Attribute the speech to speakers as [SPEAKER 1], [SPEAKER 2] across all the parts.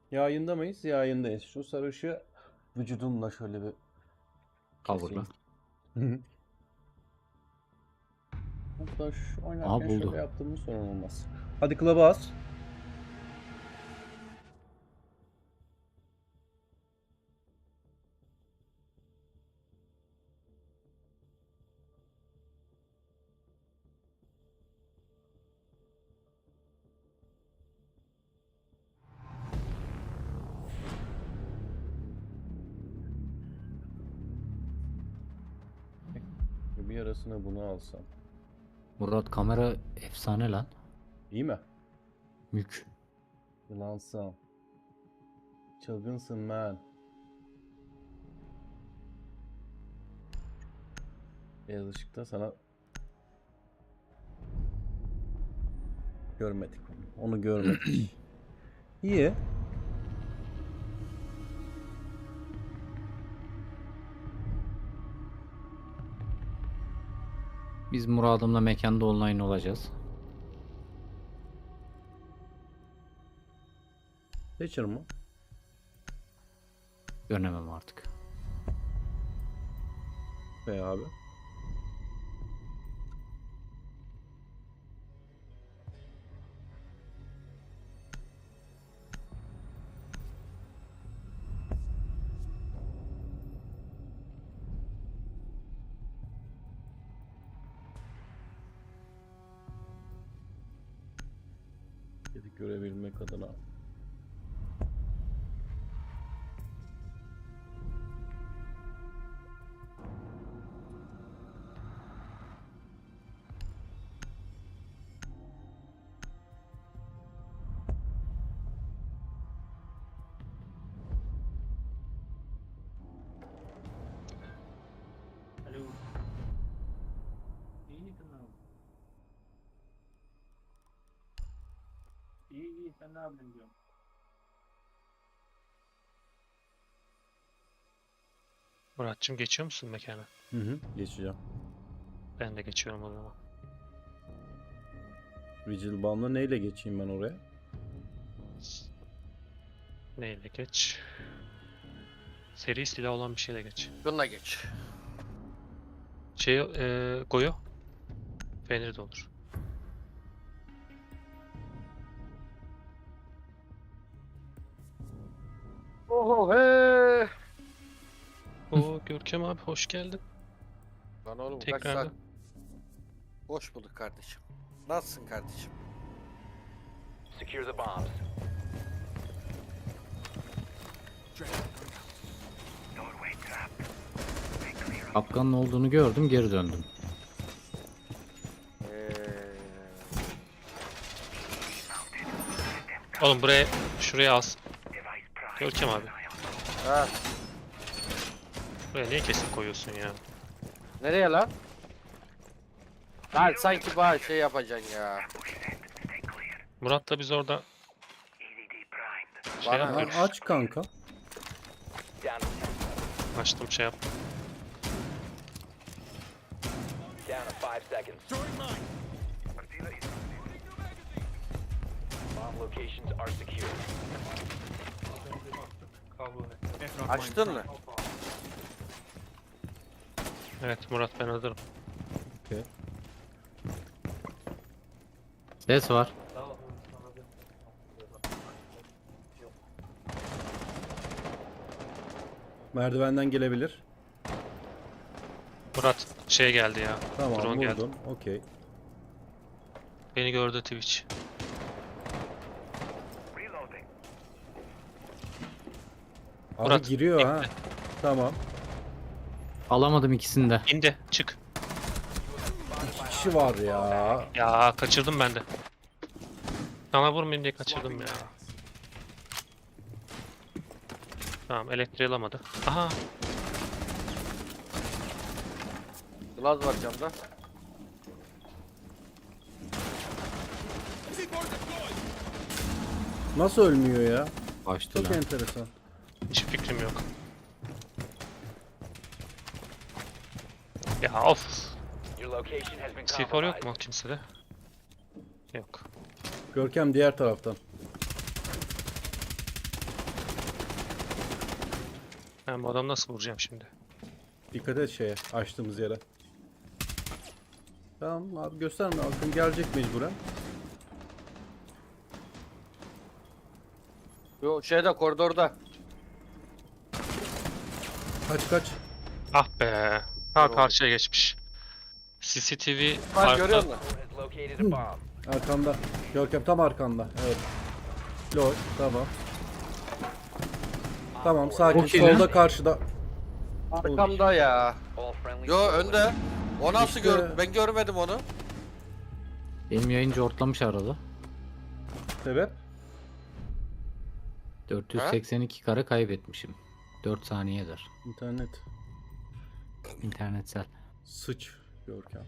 [SPEAKER 1] Yayında mıyız? Yayındayız. Şu sarı ışığı vücudumla şöyle bir
[SPEAKER 2] Cover'la.
[SPEAKER 1] keseyim. Hatta şu
[SPEAKER 2] Aha
[SPEAKER 1] oynarken şöyle
[SPEAKER 2] buldu.
[SPEAKER 1] yaptığımız sorun olmaz. Hadi club'a as. Bir arasına bunu alsam.
[SPEAKER 2] Murat kamera efsane lan.
[SPEAKER 1] İyi mi?
[SPEAKER 2] Mük.
[SPEAKER 1] Yılansam. Çılgınsın man. Beyaz ışıkta sana görmedik onu. Onu görmedik. İyi.
[SPEAKER 2] Biz Murad'ımla mekanda online olacağız.
[SPEAKER 1] Seçir mi?
[SPEAKER 2] Dönemem artık.
[SPEAKER 1] Be abi. Dedik görebilmek adına.
[SPEAKER 3] Alo. İyi misin abi? İyi iyi sen ne yapıyorsun diyorum.
[SPEAKER 4] Muratçım geçiyor musun mekana?
[SPEAKER 1] Hı. Geçeceğim.
[SPEAKER 4] Ben de geçiyorum o zaman.
[SPEAKER 1] Vigil Bound'la neyle geçeyim ben oraya?
[SPEAKER 4] Neyle geç? Seri silah olan bir şeyle geç.
[SPEAKER 5] Bununla geç.
[SPEAKER 4] Goyo. Fenrir de olur.
[SPEAKER 5] Oho he.
[SPEAKER 4] Oo Görkem abi hoş geldin.
[SPEAKER 5] Lan oğlum kaç
[SPEAKER 4] Tekrardan.
[SPEAKER 5] saat. Hoş bulduk kardeşim. Nasılsın kardeşim?
[SPEAKER 6] Secure the bombs.
[SPEAKER 2] Kapkanın olduğunu gördüm, geri döndüm.
[SPEAKER 4] Oğlum şuraya as. Görkem abi.
[SPEAKER 5] Ha,
[SPEAKER 4] Buraya niye kesip koyuyorsun ya?
[SPEAKER 5] nereye lan? Lan sanki bana şey yapacaksın ya.
[SPEAKER 4] Murat'la biz orada şey
[SPEAKER 5] Bana-
[SPEAKER 4] yapıyoruz.
[SPEAKER 1] Aç kanka.
[SPEAKER 6] Down.
[SPEAKER 4] Açtım şey yap.
[SPEAKER 6] Down to 5 seconds. Bomb locations are secure.
[SPEAKER 5] Açtın mı?
[SPEAKER 4] Evet Murat ben hazırım.
[SPEAKER 2] Ses var.
[SPEAKER 1] Merdivenden gelebilir.
[SPEAKER 4] Murat şey geldi ya.
[SPEAKER 1] Tamam
[SPEAKER 4] Drone geldi.
[SPEAKER 1] vurdum. Okey.
[SPEAKER 4] Beni gördü Twitch.
[SPEAKER 1] Abi
[SPEAKER 4] Murat,
[SPEAKER 1] giriyor ha.
[SPEAKER 4] bekle.
[SPEAKER 1] Tamam.
[SPEAKER 2] Alamadım ikisini de.
[SPEAKER 4] İndi çık.
[SPEAKER 1] 2 kişi var ya.
[SPEAKER 4] Ya kaçırdım ben de. Sana vurmayayım diye kaçırdım ya. Tamam elektriği alamadı. Aha
[SPEAKER 5] Glaz var camda.
[SPEAKER 1] Nasıl ölmüyor ya?
[SPEAKER 2] Açtı
[SPEAKER 1] Çok
[SPEAKER 2] lan.
[SPEAKER 1] enteresan.
[SPEAKER 4] hiç fikrim yok. Ya of.
[SPEAKER 6] Your location has been
[SPEAKER 4] C4 yok
[SPEAKER 6] compromised.
[SPEAKER 4] mu kimsede? Yok.
[SPEAKER 1] Görkem diğer taraftan.
[SPEAKER 4] Ben bu adamı nasıl vuracağım şimdi?
[SPEAKER 1] Dikkat et şeye, açtığımız yere. Tamam abi, gösterme, Akın gelecek mecburen.
[SPEAKER 5] Yo şeyde koridorda.
[SPEAKER 1] Kaç.
[SPEAKER 4] Ah be. Ha
[SPEAKER 5] Doğru.
[SPEAKER 4] karşıya geçmiş. CCTV
[SPEAKER 5] Bak görüyor
[SPEAKER 4] arka.
[SPEAKER 5] musun?
[SPEAKER 6] Has located a bomb.
[SPEAKER 1] Arkanda. Görkem tam arkanda. Evet. Lol, tamam. Tamam, sakin.
[SPEAKER 2] Çok iyi lan.
[SPEAKER 1] Solda, karşıda.
[SPEAKER 5] Arkamda ya.
[SPEAKER 6] All friendly
[SPEAKER 5] Yo önde. O nasıl
[SPEAKER 1] İşte-
[SPEAKER 5] gördü? Ben görmedim onu.
[SPEAKER 2] Benim yayıncı ortlamış arada.
[SPEAKER 1] Sebep?
[SPEAKER 2] 482 kare kaybetmişim. 4 saniye eder.
[SPEAKER 1] İnternet.
[SPEAKER 2] İnternetsel.
[SPEAKER 1] Sıç Görkem.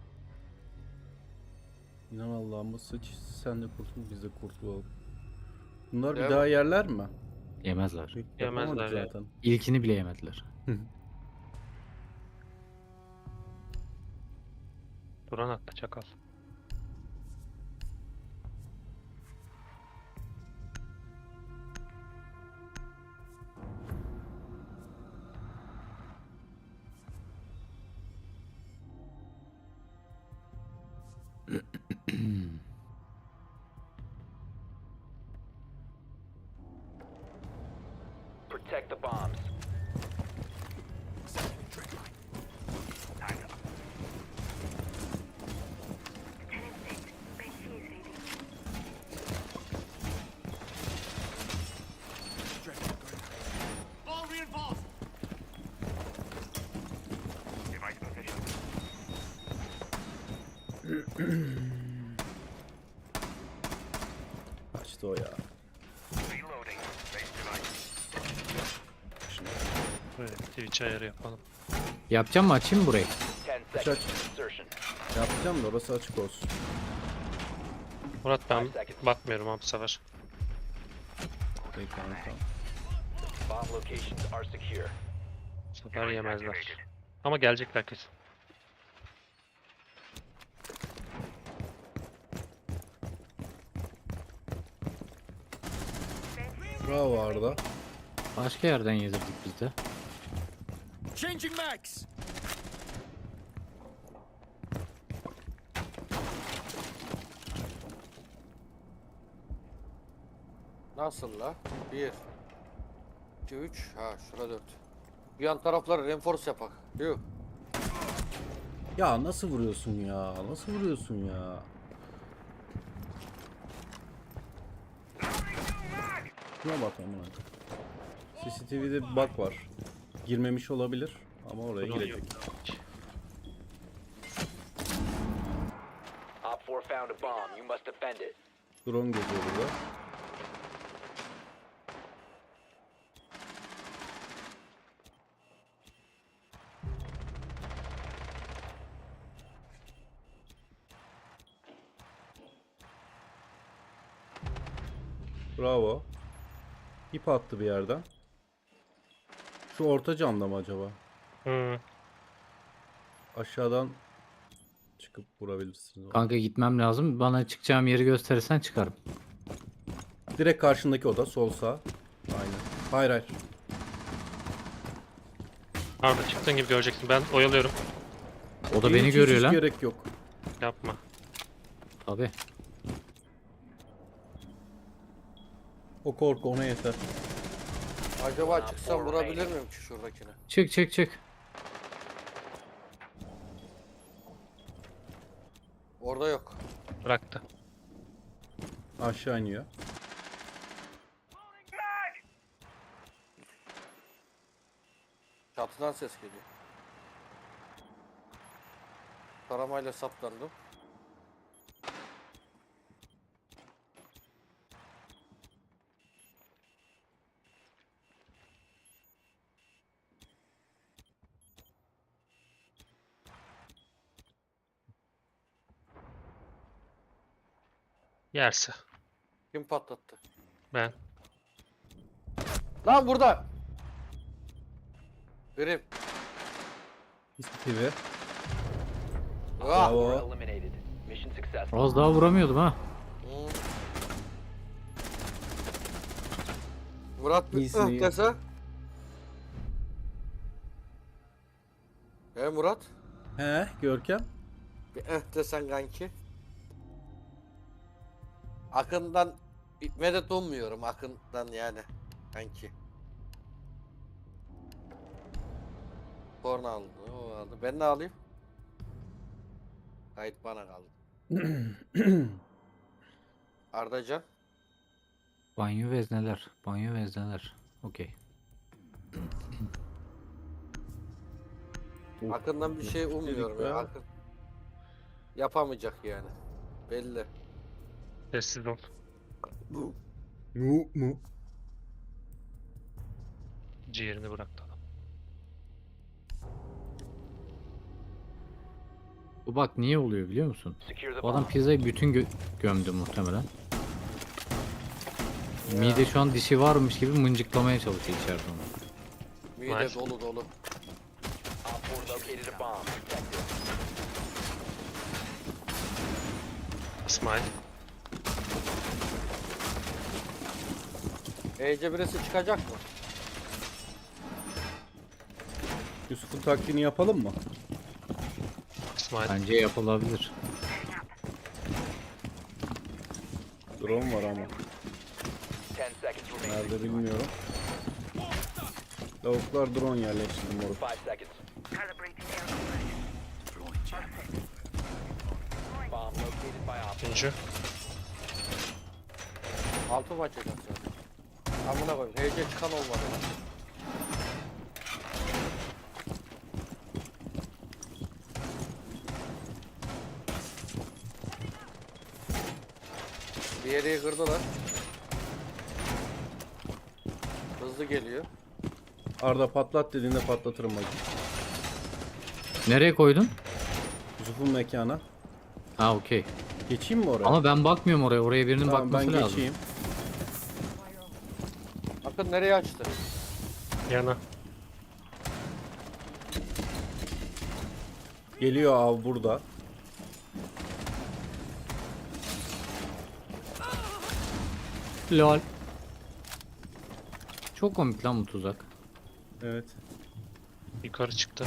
[SPEAKER 1] İnan Allah'ıma sıç. Sen de kurtul, biz de kurtulalım. Bunlar bir
[SPEAKER 5] Değil
[SPEAKER 1] daha yerler mi?
[SPEAKER 2] Yemezler.
[SPEAKER 4] Yemezler
[SPEAKER 1] Yapamadık
[SPEAKER 4] ya.
[SPEAKER 1] zaten.
[SPEAKER 2] İlkini bile yemediler.
[SPEAKER 4] Duran attı çakal.
[SPEAKER 6] Protect the bombs.
[SPEAKER 1] Kaçtı o ya.
[SPEAKER 4] Böyle Twitch ayarı yapalım.
[SPEAKER 2] Yapacağım mı, açayım mı burayı?
[SPEAKER 6] 10
[SPEAKER 1] Aç,
[SPEAKER 6] seconds
[SPEAKER 1] aç.
[SPEAKER 6] to insertion.
[SPEAKER 1] Yapacağım da orası açık olsun.
[SPEAKER 4] Murat ben bakmıyorum abi bu sefer.
[SPEAKER 1] Peki, tamam.
[SPEAKER 6] Bomb locations are secure.
[SPEAKER 4] Bu sefer yemezler. Ama gelecekler kesin.
[SPEAKER 1] Bravo Arda.
[SPEAKER 2] Başka yerden yedirdik biz de.
[SPEAKER 5] Nasıl la? 1 2 3 ha şura 4. Bir yan tarafları reinforce yapak. Yuh.
[SPEAKER 1] Ya nasıl vuruyorsun ya? Nasıl vuruyorsun ya? Şuna bak amına. CCTV'de bir bug var. Girmemiş olabilir ama oraya
[SPEAKER 4] Drone
[SPEAKER 1] girecek.
[SPEAKER 6] Op 4 found a bomb. You must defend it.
[SPEAKER 1] Drone geziyor burada. Bravo. İp attı bir yerden. Şu orta camda mı acaba?
[SPEAKER 4] Hı.
[SPEAKER 1] Aşağıdan çıkıp vurabilirsiniz.
[SPEAKER 2] Kanka gitmem lazım. Bana çıkacağım yeri gösterirsen çıkarım.
[SPEAKER 1] Direkt karşındaki oda, sol sağ. Aynen. Hayır hayır.
[SPEAKER 4] Arda çıktığın gibi göreceksin. Ben oyalıyorum.
[SPEAKER 2] O da
[SPEAKER 1] Hiç-
[SPEAKER 2] beni
[SPEAKER 1] hiç
[SPEAKER 2] görüyor lan.
[SPEAKER 1] gerek yok.
[SPEAKER 4] Yapma.
[SPEAKER 2] Tabii.
[SPEAKER 1] O korku ona yeter.
[SPEAKER 5] Acaba çıksam vurabilir miyim ki şuradakine?
[SPEAKER 2] Çık çık çık.
[SPEAKER 5] Orada yok.
[SPEAKER 4] Bıraktı.
[SPEAKER 1] Aşağı iniyor.
[SPEAKER 5] Çatıdan ses geliyor. Taramayla saplandım.
[SPEAKER 4] Yerse.
[SPEAKER 5] Kim patlattı?
[SPEAKER 4] Ben.
[SPEAKER 5] Lan burada. Grim.
[SPEAKER 1] CCTV.
[SPEAKER 5] Ah.
[SPEAKER 1] Bravo.
[SPEAKER 6] 4 eliminated. Mission successful.
[SPEAKER 2] Az daha vuramıyordum ha.
[SPEAKER 5] Hmm. Murat bir
[SPEAKER 1] İyisin, iyi.
[SPEAKER 5] dese. Murat?
[SPEAKER 1] He Görkem.
[SPEAKER 5] Bir desen kanki. Akından medet ummuyorum Akından yani kanki. Korna aldı, o aldı. Ben ne alayım? Kayıt bana kaldı. Ardacan.
[SPEAKER 2] Banyo vezneler. Banyo vezneler. Okey.
[SPEAKER 5] Akından bir şey ummuyorum ya.
[SPEAKER 1] be.
[SPEAKER 5] Akın yapamayacak yani. Belli.
[SPEAKER 4] Sessiz ol.
[SPEAKER 1] Mu.
[SPEAKER 4] Ciğerini bıraktı adam.
[SPEAKER 2] Bu bak niye oluyor biliyor musun?
[SPEAKER 6] Secure the
[SPEAKER 2] Bu adam
[SPEAKER 6] bomb.
[SPEAKER 2] pizzayı bütün gömdü muhtemelen. Mide şu an dişi varmış gibi mıncıklamaya çalışıyor içeride onu.
[SPEAKER 5] Mide
[SPEAKER 4] Nice.
[SPEAKER 5] dolu dolu.
[SPEAKER 6] Op 4 located a bomb. Protect it.
[SPEAKER 4] İsmail.
[SPEAKER 5] Ece birisi çıkacak mı?
[SPEAKER 1] Yusuf'un taktiğini yapalım mı?
[SPEAKER 4] İsmail.
[SPEAKER 2] Bence yapılabilir.
[SPEAKER 1] Drone var ama.
[SPEAKER 6] 10 seconds remaining.
[SPEAKER 1] Nerede bilmiyorum. Lavuklar drone yerleştirdim moruk.
[SPEAKER 6] 5 seconds. Bomb located by op.
[SPEAKER 4] Üçüncü.
[SPEAKER 5] Altı maç açacak zaten. Amına koyayım. Ece çıkan olmadı lan. Bir yere kırdılar. Hızlı geliyor.
[SPEAKER 1] Arda patlat dediğinde patlatırım bak.
[SPEAKER 2] Nereye koydun?
[SPEAKER 1] Yusuf'un mekana.
[SPEAKER 2] Ha okey.
[SPEAKER 1] Geçeyim mi oraya?
[SPEAKER 2] Ama ben bakmıyorum oraya. Oraya birinin
[SPEAKER 1] Tamam ben
[SPEAKER 2] bakması lazım.
[SPEAKER 1] geçeyim.
[SPEAKER 5] Bakın nereye açtı?
[SPEAKER 4] Yana.
[SPEAKER 1] Geliyor av burada.
[SPEAKER 2] Lol. Çok komik lan bu tuzak.
[SPEAKER 1] Evet.
[SPEAKER 4] Yukarı çıktı.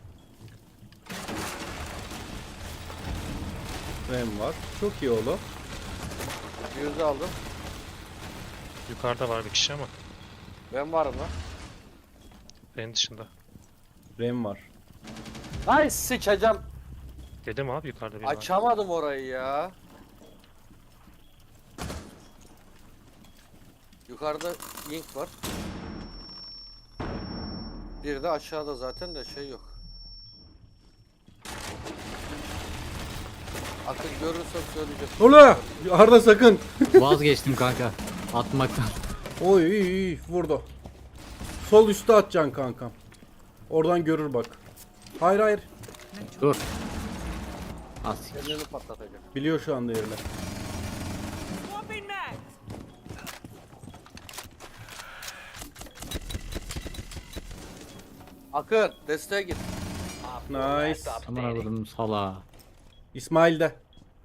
[SPEAKER 1] Rem var. Çok iyi oğlum.
[SPEAKER 5] Yüzü aldım.
[SPEAKER 4] Yukarıda var bir kişi ama.
[SPEAKER 5] Ben varım lan.
[SPEAKER 4] Benim dışında.
[SPEAKER 1] Rem var.
[SPEAKER 5] Ay sıçacağım.
[SPEAKER 4] Dedim abi yukarıda biri var.
[SPEAKER 5] Açamadım orayı ya. Yukarıda link var. Bir de aşağıda zaten de şey yok. Akıl görürsem söyleyeceğim.
[SPEAKER 1] Ola! Arda sakın.
[SPEAKER 2] Vazgeçtim kanka. Atmaktan.
[SPEAKER 1] Oy iyi iyi vurdu. Sol üstte atacaksın kankam. Oradan görür bak. Hayır hayır.
[SPEAKER 2] Dur. Az siktir.
[SPEAKER 5] Kendini patlatacak.
[SPEAKER 1] Biliyor şu anda yerini.
[SPEAKER 5] Akın desteğe git.
[SPEAKER 6] Op 4
[SPEAKER 1] Nice.
[SPEAKER 6] last stop
[SPEAKER 2] Aman
[SPEAKER 6] standing.
[SPEAKER 2] avradım sala.
[SPEAKER 1] İsmail de.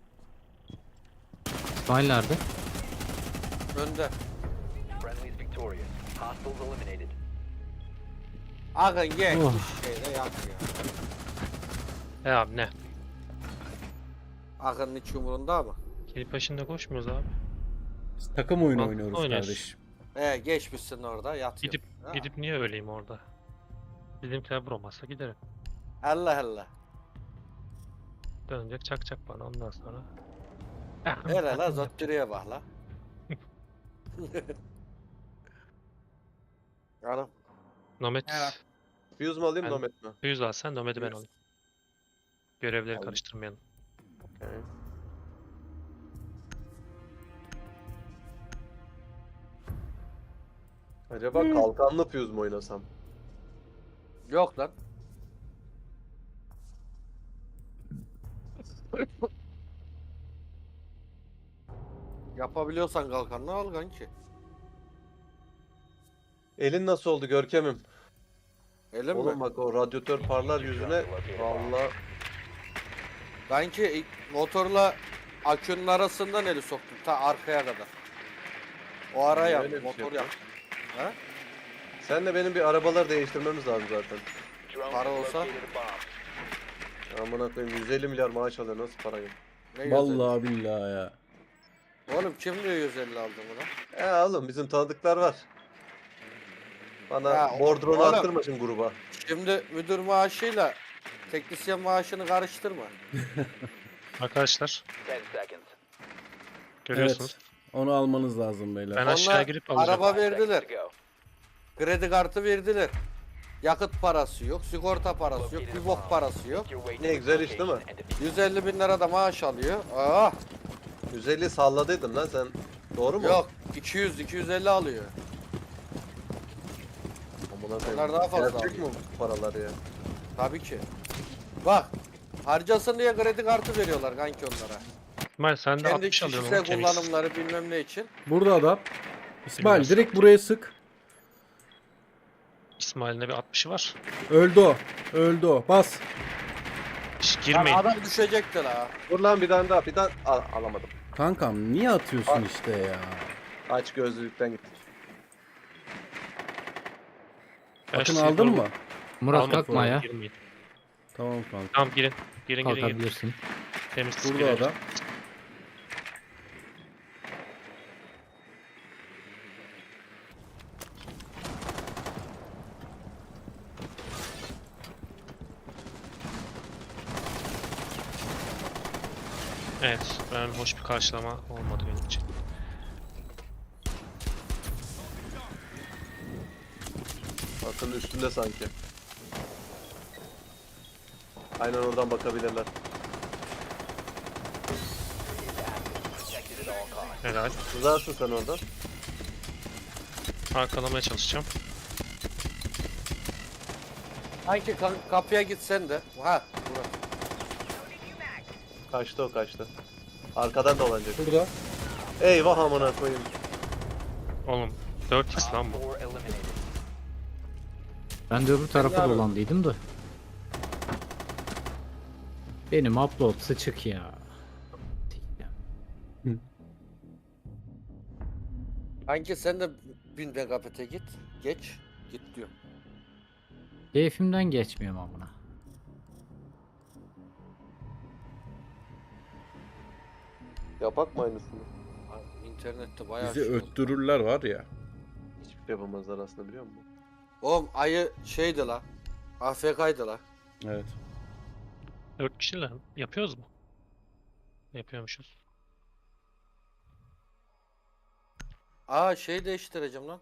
[SPEAKER 2] İsmail nerede?
[SPEAKER 5] Önde.
[SPEAKER 6] Friendly's victorious. Hostiles eliminated.
[SPEAKER 5] Akın gel.
[SPEAKER 2] Oh.
[SPEAKER 5] Şeyde yak ya.
[SPEAKER 4] Abi ne?
[SPEAKER 5] Akın'ın hiç umurunda mı?
[SPEAKER 4] Gelip peşinde koşmuyoruz abi.
[SPEAKER 1] Biz takım oyunu
[SPEAKER 4] Bak,
[SPEAKER 1] oynuyoruz
[SPEAKER 4] oynuyoruz.
[SPEAKER 1] kardeşim.
[SPEAKER 5] Geçmişsin orada yatıyor.
[SPEAKER 4] Gidip
[SPEAKER 5] Ha.
[SPEAKER 4] gidip niye öleyim orada? Bizimkiler vurmazsa giderim.
[SPEAKER 5] Allah Allah.
[SPEAKER 4] Dönecek çakacak bana ondan sonra.
[SPEAKER 5] Hele la zottürüye bak la. Hanım.
[SPEAKER 4] Nomet.
[SPEAKER 3] Evet. Fuse mu alayım
[SPEAKER 4] Ben-
[SPEAKER 3] Nomad mi?
[SPEAKER 4] 100 al sen Nomet'i ben
[SPEAKER 3] Fuse.
[SPEAKER 4] alayım. Görevleri
[SPEAKER 3] Alayım.
[SPEAKER 4] karıştırmayalım.
[SPEAKER 3] Okay. Acaba kalkanlı Fuse mu oynasam?
[SPEAKER 5] Yok lan. Yapabiliyorsan kalkanını al kanki.
[SPEAKER 3] Elin nasıl oldu Görkem'im?
[SPEAKER 5] Elim
[SPEAKER 3] Oğlum
[SPEAKER 5] mi?
[SPEAKER 3] bak o radyatör parlar yüzüne. Valla
[SPEAKER 5] Kanki motorla akünün arasından eli soktum ta arkaya kadar. O ara
[SPEAKER 3] Niye
[SPEAKER 5] yap,
[SPEAKER 3] öyle bir şey
[SPEAKER 5] motor yap.
[SPEAKER 3] yapıyorsun?
[SPEAKER 5] Ha?
[SPEAKER 3] senle benim bir arabaları değiştirmemiz lazım zaten.
[SPEAKER 6] Drone
[SPEAKER 5] Para
[SPEAKER 6] has
[SPEAKER 5] olsa?
[SPEAKER 6] located a bomb.
[SPEAKER 3] Amına koyayım 150 milyar maaş alıyor nasıl para yok?
[SPEAKER 5] Ne güzel.
[SPEAKER 1] Vallahi billahi ya.
[SPEAKER 5] Oğlum kim diyor 150 aldı bunu?
[SPEAKER 3] Oğlum bizim tanıdıklar var. Bana
[SPEAKER 5] Ya,
[SPEAKER 3] bordronu
[SPEAKER 5] oğlum.
[SPEAKER 3] arttırma şimdi gruba.
[SPEAKER 5] Şimdi müdür maaşıyla teknisyen maaşını karıştırma.
[SPEAKER 4] Arkadaşlar
[SPEAKER 6] 10 seconds.
[SPEAKER 4] görüyorsunuz.
[SPEAKER 1] Evet. Onu almanız lazım beyler.
[SPEAKER 4] Ben
[SPEAKER 5] Onlar
[SPEAKER 4] aşağı girip alacağım.
[SPEAKER 5] araba
[SPEAKER 6] 5 seconds
[SPEAKER 5] verdiler.
[SPEAKER 6] to go.
[SPEAKER 5] Kredi kartı verdiler. Yakıt parası yok, sigorta parası yok, bir bok parası yok.
[SPEAKER 6] Make your way to
[SPEAKER 3] Ne
[SPEAKER 6] the
[SPEAKER 3] güzel iş değil mi?
[SPEAKER 6] location and defuse
[SPEAKER 5] 150 bin lira da maaş alıyor. Aa,
[SPEAKER 3] 150 salladıydın lan sen. Doğru mu?
[SPEAKER 5] yok 200-250 alıyor.
[SPEAKER 3] Amına koyayım.
[SPEAKER 5] Onlar daha fazla
[SPEAKER 3] Gerçek
[SPEAKER 5] alıyor.
[SPEAKER 3] mi bu paralar ya?
[SPEAKER 5] Tabii ki. Bak, harcasın diye kredi kartı veriyorlar kanki onlara.
[SPEAKER 4] İsmail sen de
[SPEAKER 5] Kendi
[SPEAKER 4] 60 alıyorsun
[SPEAKER 5] kişisel
[SPEAKER 4] oğlum temiz.
[SPEAKER 5] kullanımları bilmem ne için.
[SPEAKER 1] Burada adam. İsmail
[SPEAKER 4] Bilmez.
[SPEAKER 1] direkt buraya sık.
[SPEAKER 4] İsmail'in de bir 60'ı var.
[SPEAKER 1] Öldü o. Öldü o. Bas.
[SPEAKER 4] Hiç
[SPEAKER 5] Lan
[SPEAKER 4] girmeyin.
[SPEAKER 5] adam düşecekti la.
[SPEAKER 3] Dur lan bir tane daha. Bir tane alamadım.
[SPEAKER 1] Kankam niye atıyorsun işte ya?
[SPEAKER 3] Aç gözlülükten gittik.
[SPEAKER 4] Ben
[SPEAKER 1] Akın
[SPEAKER 4] sizi
[SPEAKER 1] aldın
[SPEAKER 4] doğru-
[SPEAKER 1] mı?
[SPEAKER 2] Murat
[SPEAKER 4] Almadım,
[SPEAKER 2] kalkma ya.
[SPEAKER 4] girmeyin.
[SPEAKER 1] Tamam kanka.
[SPEAKER 4] Tamam girin. Girin.
[SPEAKER 2] Kalkabilirsin.
[SPEAKER 4] Temiz
[SPEAKER 1] Burada
[SPEAKER 4] girin.
[SPEAKER 1] adam.
[SPEAKER 4] Evet. Ben hoş bir karşılama olmadı benim için.
[SPEAKER 3] Akın üstünde sanki. Aynen oradan bakabilirler.
[SPEAKER 6] protected at all costs.
[SPEAKER 4] Helal.
[SPEAKER 3] Uzarsın sen oradan.
[SPEAKER 4] Arkalamaya çalışacağım.
[SPEAKER 5] Kanki kapıya gitsen de. Ha, burası.
[SPEAKER 3] Kaçtı o kaçtı. Arkadan dolanacak.
[SPEAKER 1] Burada.
[SPEAKER 3] Eyvah amına koyayım.
[SPEAKER 4] Oğlum 4x lan bu.
[SPEAKER 6] 4 eliminated.
[SPEAKER 2] Ben de öbür tarafa
[SPEAKER 5] abi.
[SPEAKER 2] dolandıydım da. Benim upload sıçık ya.
[SPEAKER 5] Kanki sen de 1000 megabit'e git. Geç. Git diyor.
[SPEAKER 2] Keyfimden geçmiyorum amına.
[SPEAKER 3] Yapak mı aynısını?
[SPEAKER 5] Abi, İnternette bayağı
[SPEAKER 1] Bizi
[SPEAKER 5] şey oldu.
[SPEAKER 1] öttürürler var ya.
[SPEAKER 3] Hiçbir şey yapamazlar aslında biliyor musun?
[SPEAKER 5] Oğlum ayı şeydi la. AFK'ydı la.
[SPEAKER 1] Evet.
[SPEAKER 4] 4 kişiyle yapıyoruz mu? Yapıyormuşuz.
[SPEAKER 5] Aa şey değiştireceğim lan.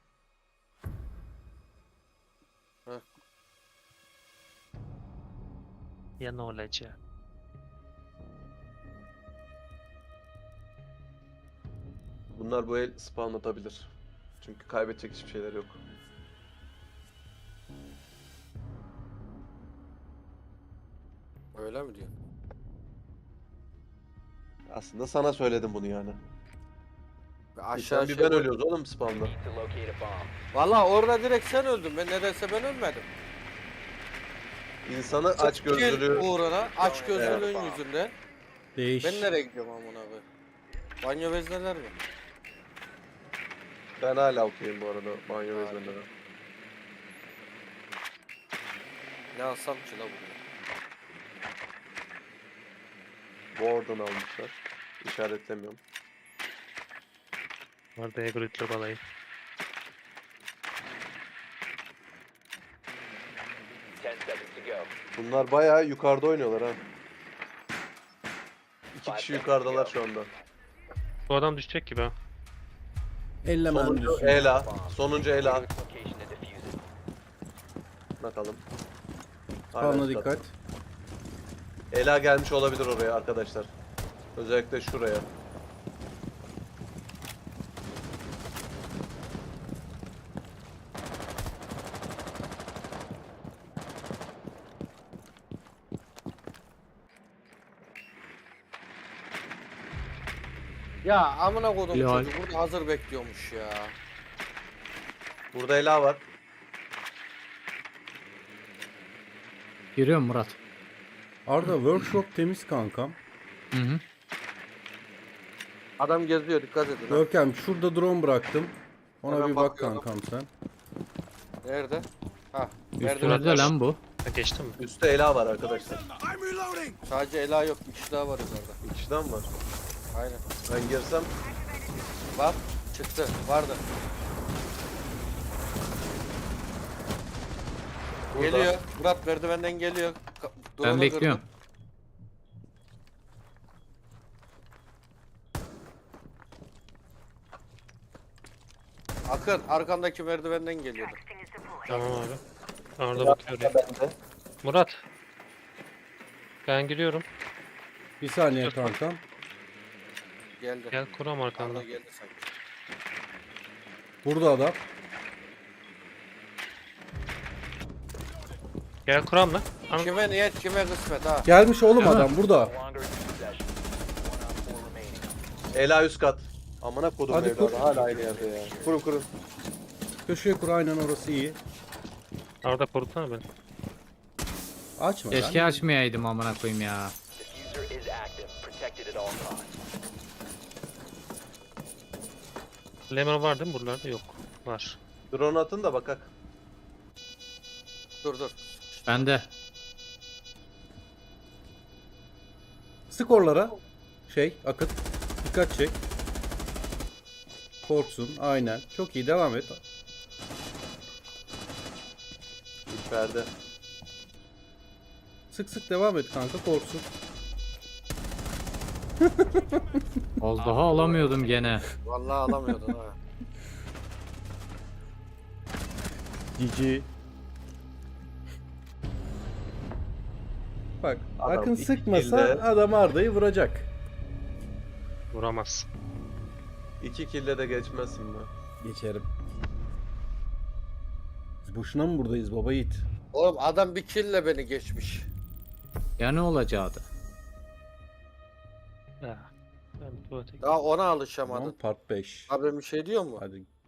[SPEAKER 4] Ya ne olacak?
[SPEAKER 3] Bunlar bu el spawn atabilir. Çünkü kaybedecek hiçbir şeyler yok.
[SPEAKER 5] Öyle mi diyor?
[SPEAKER 3] Aslında sana söyledim bunu yani.
[SPEAKER 5] Aşağı
[SPEAKER 3] Bir
[SPEAKER 5] şey
[SPEAKER 3] ben ölüyoruz oğlum spawn'da.
[SPEAKER 6] Need to locate a bomb.
[SPEAKER 5] Valla orada direkt sen öldün. Ben nedense ben ölmedim.
[SPEAKER 3] İnsanı aç gözlülüğü...
[SPEAKER 5] Uğruna aç gözlülüğün
[SPEAKER 6] Evet.
[SPEAKER 5] yüzünden.
[SPEAKER 1] Değiş.
[SPEAKER 5] Ben nereye gidiyorum amına koyayım? Banyo vezneler mi?
[SPEAKER 3] Ben hala okuyayım bu arada banyo vezneleri.
[SPEAKER 5] Ne alsam ki la bunu?
[SPEAKER 3] Warden almışlar. İşaretlemiyorum.
[SPEAKER 4] Orada Egrit'le balayı.
[SPEAKER 6] Ten seconds to go.
[SPEAKER 3] Bunlar bayağı yukarıda oynuyorlar ha. 2 kişi yukarıdalar şu anda.
[SPEAKER 4] Bu adam düşecek gibi ha.
[SPEAKER 1] Ellemem
[SPEAKER 3] Sonuncu
[SPEAKER 1] diyorsun.
[SPEAKER 3] Ela. Sonuncu Ela.
[SPEAKER 6] Location and defuse it.
[SPEAKER 3] Bakalım.
[SPEAKER 1] Spawna
[SPEAKER 3] Hala
[SPEAKER 1] dikkat.
[SPEAKER 3] üstte. Ela gelmiş olabilir oraya arkadaşlar. Özellikle şuraya.
[SPEAKER 5] Ya amına kodum
[SPEAKER 2] Lol.
[SPEAKER 5] çocuk burada hazır bekliyormuş ya.
[SPEAKER 3] Burada Ela var.
[SPEAKER 2] Giriyorum Murat.
[SPEAKER 1] Arda workshop temiz kankam.
[SPEAKER 2] Hı hı.
[SPEAKER 5] Adam geziyor dikkat edin. ha.
[SPEAKER 1] Görkem şurada drone bıraktım. Ona
[SPEAKER 5] Hemen
[SPEAKER 1] bir bak
[SPEAKER 5] bakıyorum.
[SPEAKER 1] kankam sen.
[SPEAKER 5] Nerede? Ha.
[SPEAKER 2] Üstünde
[SPEAKER 5] Merdiven.
[SPEAKER 2] lan bu.
[SPEAKER 4] Ha, geçtim mi?
[SPEAKER 3] Üstte Ela var arkadaşlar.
[SPEAKER 5] Sadece Ela yok. Bir kişi daha var yukarıda.
[SPEAKER 3] Bir kişiden var.
[SPEAKER 5] Aynen.
[SPEAKER 3] Ben girsem
[SPEAKER 5] Bak çıktı. Vardı.
[SPEAKER 3] burada.
[SPEAKER 5] Geliyor. Murat merdivenden geliyor. Drone'u
[SPEAKER 2] Ben bekliyorum.
[SPEAKER 5] kırdı. Akın arkandaki merdivenden geliyordu.
[SPEAKER 4] Tamam abi. Arda bakıyor ya.
[SPEAKER 3] Bende.
[SPEAKER 4] Murat. Ben giriyorum.
[SPEAKER 1] Bir saniye kankam.
[SPEAKER 5] Geldi.
[SPEAKER 4] Gel kuram
[SPEAKER 5] Arda
[SPEAKER 4] arkamda.
[SPEAKER 5] geldi sanki.
[SPEAKER 1] Burada adam.
[SPEAKER 4] Gel kuram lan. Ana-
[SPEAKER 5] Kime niyet kime kısmet ha.
[SPEAKER 1] Gelmiş oğlum
[SPEAKER 2] Değil mi?
[SPEAKER 1] adam burada.
[SPEAKER 6] No longer in possession. 1 op 4 remaining.
[SPEAKER 3] Ela üst kat. Amına kodum
[SPEAKER 1] Hadi
[SPEAKER 3] evladı.
[SPEAKER 1] kur.
[SPEAKER 3] Hala aynı yerde ya. Kurun kurun.
[SPEAKER 1] Köşeye kur, aynen orası iyi.
[SPEAKER 4] Arda korutsana beni.
[SPEAKER 1] Açma
[SPEAKER 2] Keşke
[SPEAKER 1] lan.
[SPEAKER 2] açmayaydım amına koyayım ya.
[SPEAKER 6] Diffuser is active. Protected at all costs.
[SPEAKER 4] Lemon var değil mi buralarda? Yok. Var.
[SPEAKER 3] Drone atın da bakak.
[SPEAKER 5] Dur.
[SPEAKER 2] Ben de.
[SPEAKER 1] Skorlara. Akıt. Dikkat çek. Korksun. Aynen. Çok iyi. Devam et.
[SPEAKER 3] İçeride.
[SPEAKER 1] Sık devam et kanka. Korksun.
[SPEAKER 2] Az daha alamıyordum gene.
[SPEAKER 5] Vallahi alamıyordun ha.
[SPEAKER 1] Cici. Bak.
[SPEAKER 3] Adam
[SPEAKER 1] Akın
[SPEAKER 3] iki
[SPEAKER 1] sıkmasa
[SPEAKER 3] kilde-
[SPEAKER 1] adam Arda'yı vuracak.
[SPEAKER 4] Vuramaz.
[SPEAKER 3] 2 kille de geçmezsin be.
[SPEAKER 1] Geçerim. Biz boşuna mı buradayız baba yiğit?
[SPEAKER 5] Oğlum adam bir kill'le beni geçmiş.
[SPEAKER 2] Ya ne olacaktı?
[SPEAKER 4] Ya. Ben tuvalete
[SPEAKER 5] Daha ona
[SPEAKER 1] Tamam,
[SPEAKER 5] alışamadın.
[SPEAKER 1] part 5.
[SPEAKER 5] Abi bir şey diyor mu?
[SPEAKER 1] Hadi